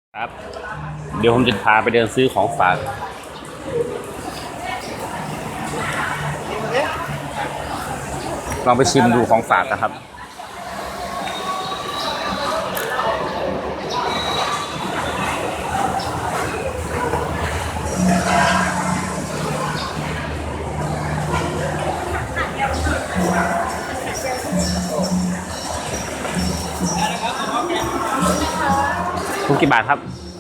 ครับ เดี๋ยวผมจะพาไปเดินซื้อของฝากลองไปชิมดูของฝากนะครับทุกกี่บาทครับ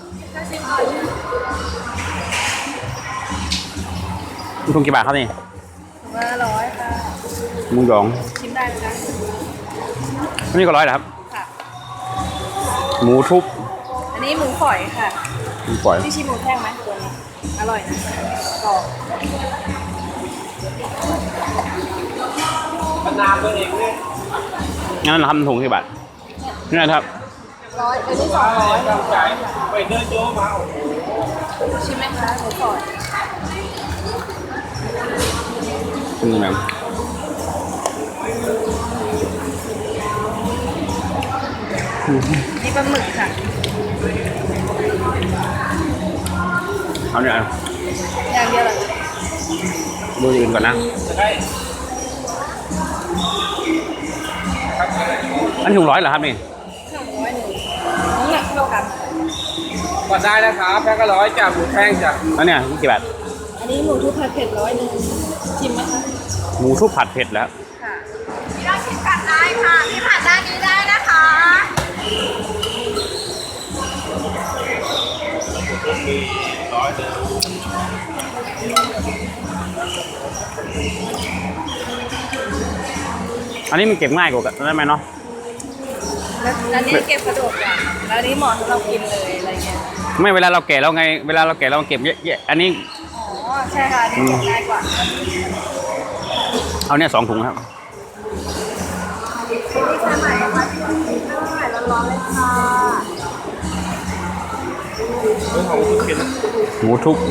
ทุกกี่บาทครับนี่ 100ค่ะหมูหยองชิมได้ไหมคะอันนี้ก็100เหรอครับค่ะหมูทุบอันนี้หมูฝอยค่ะหมูฝอยที่ชิมหมูแท่งไหมตัวนี้อร่อยนะกรอบงั้นเราทำถุงกี่บาทนี่นะครับ 100อันนี้200ไปเดินโยมาชิมไหมคะหมูฝอยนี่แบบนี่ปลาหมึกค่ะเอาเนี่ยอย่างเดียวเหรอดูอื่นก่อนนะอันนี้ถุง100เหรอครับนี่ 100น้ำหนักเท่ากันก็ได้นะครับแพ็คละ100จ้ะหมูแท่งจ้ะแล้วเนี่ยกี่บาทอันนี้หมูทุบผัดเผ็ดชิมไหมคะหมูทุบผัดเผ็ดแล้วค่ะพี่ได้ชิมกันได้ค่ะพี่ผัดด้านนี้ได้นะคะอันนี้มันเก็บง่ายกว่าได้ไหมเนาะแล้วนี้เก็บสะดวกกว่าแล้วนี้เหมาะสำหรับกินเลยอะไรเงี้ยไม่เวลาเราแก่เราไงเวลาเราแก่เราเก็บเยอะๆอันนี้อ๋อใช่ค่ะนี่เก็บง่ายกว่าเอาเนี่ย2 ถุงครับนี่ใช่ไหมคะได้ร้อนๆเลยค่ะหมูทุบ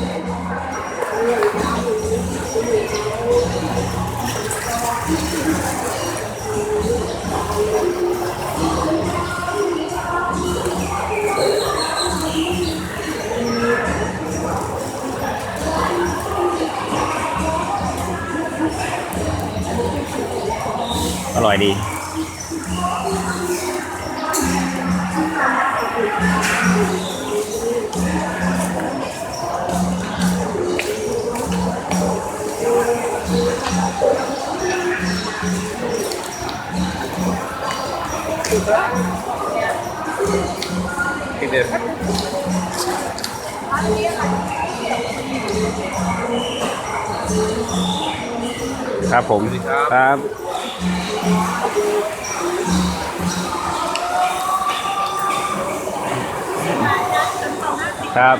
อร่อยดีครับผมครับครับ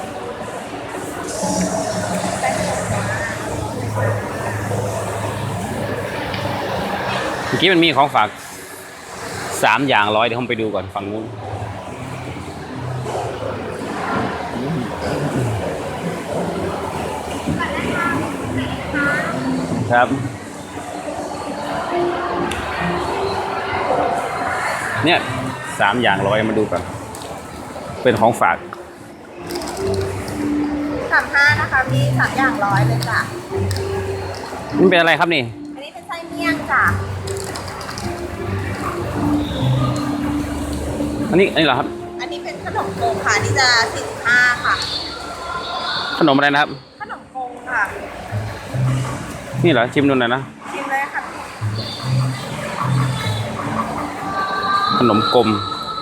เมื่อกี้มันมีของฝาก3 อย่าง100เดี๋ยวผมไปดูก่อนฝั่งนู้นครับเนี่ย3 อย่าง100มาดูกันเป็นของฝาก 35นะคะมี3 อย่าง100เลยจ้ะมันเป็นอะไรครับนี่อันนี้เป็นไส้เมี่ยงจ้ะอันนี้เหรอครับอันนี้เป็นขนมโกงค่ะนี่จะ45ค่ะขนมอะไรนะครับขนมโกงค่ะนี่เหรอชิมดูหน่อยนะชิมเลยค่ะขนมกลม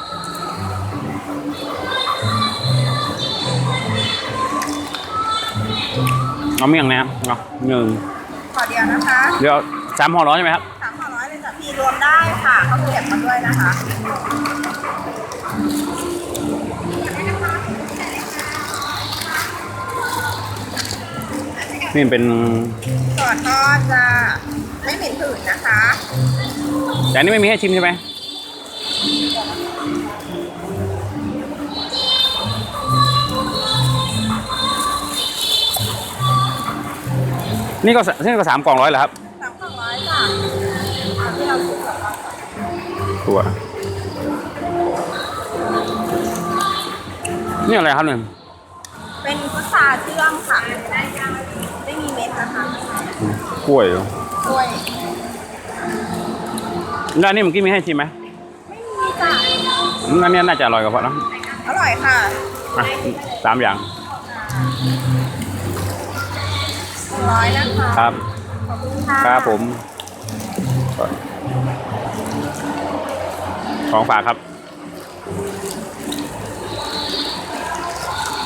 เอาเมี่ยงนะครับเนาะขอเดียวนะคะเดี๋ยว3 ห่อ100ใช่ไหมครับ 3 ห่อ100เลยจ้ะพี่รวมได้ค่ะเขาเก็บมาด้วยนะคะนี่เป็นก่อนก็จะไม่เหม็นหืนนะคะแต่อันนี้ไม่มีให้ชิมใช่ไหมนี่ก็3 กล่อง100เหรอครับ 3 กล่อง100จ้ะที่เราซื้อกับเราตัวนี่อะไรครับเนี่ยเป็นพุทราเชื่อมค่ะไม่มีเม็ดนะคะกล้วยเหรอกล้วยแล้วอันนี้เมื่อกี้มีให้ชิมไหมไม่มีจ้ะอันนี้น่าจะอร่อยกว่าเพราะนะอร่อยค่ะอ่ะ3 อย่าง 100นะคะครับขอบคุณค่ะครับผม ของฝากครับ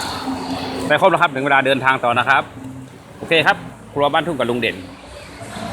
ได้ครบแล้วครับถึงเวลาเดินทางต่อนะครับ โอเคครับ ครัวบ้านทุ่งกับลุงเด่น